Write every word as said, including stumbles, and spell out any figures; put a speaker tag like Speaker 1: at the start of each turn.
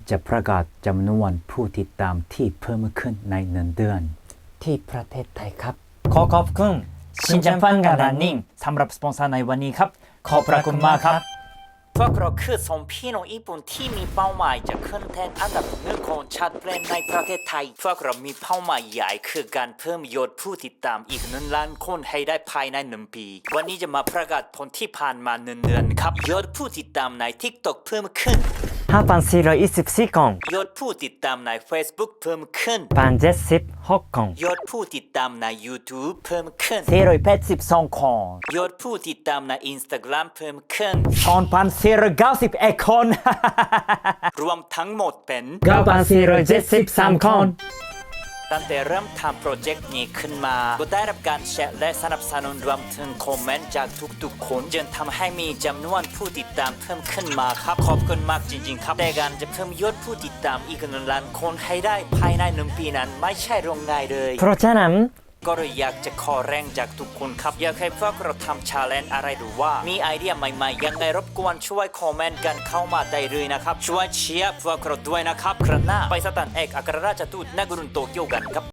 Speaker 1: จะประกาศจำนวนผู้ติดตามที่เพิ่มขึ้นในหนึ่งเดือนที่ประเทศไทยครับขอขอบคุณชินจังฟันกับรันนิ่งสำหรับสปอนเซอร์ในวันนี้ครับขอบพระคุณมากครับพวกเราคือสองพี่น้องญี่ปุ่นที่มีเป้าหมายจะขึ้นแทนอันดับหนึ่งของชาติเพลงในประเทศไทยพวกเรามีเป้าหมายใหญ่คือการเพิ่มยอดผู้ติดตามอีกหนึ่งล้านคนให้ได้ภายในหนึ่งปีวันนี้จะมาประกาศผลที่ผ่านมาหนึ่งเดือนครับยอดผู้ติดตามใน TikTok เพิ่มขึ้นห้าพันสี่ร้อยยี่สิบสี่คนยอดผู้ติดตามใน Facebook เพิ่มขึ้นพันเจ็ดสิบหกคนยอดผู้ติดตามใน YouTube เพิ่มขึ้นสี่ร้อยแปดสิบสองคนยอดผู้ติดตามใน Instagram เพิ่มขึ้นสองพันสี่ร้อยเก้าสิบเอ็ดคน รวมทั้งหมดเป็นเก้าพันสี่ร้อยเจ็ดสิบสามคนตั้งแต่เริ่มทำโปรเจกต์นี้ขึ้นมาก็ได้รับการแชร์และสนับสนุนรวมถึงคอมเมนต์จากทุกๆคนจนทำให้มีจำนวนผู้ติดตามเพิ่มขึ้นมาครับขอบคุณมากจริงๆครับแต่การจะเพิ่มยอดผู้ติดตามอีกหนึ่งล้านคนให้ได้ภายในหนึ่งปีนั้นไม่ใช่เรื่องง่ายเลยเพราะฉะนั้นก็เลยอยากจะขอแรงจากทุกคนครับอยากให้พวกเราทำชาเลนจ์อะไรหรือว่ามีไอเดียใหม่ๆยังไงรบกวนช่วยคอมเมนต์กันเข้ามาได้เลยนะครับช่วยเชียร์พวกเราด้วยนะครับครั้งหน้าไปสถานเอกอัครราชทูตณกรุงโตเกียวกันครับ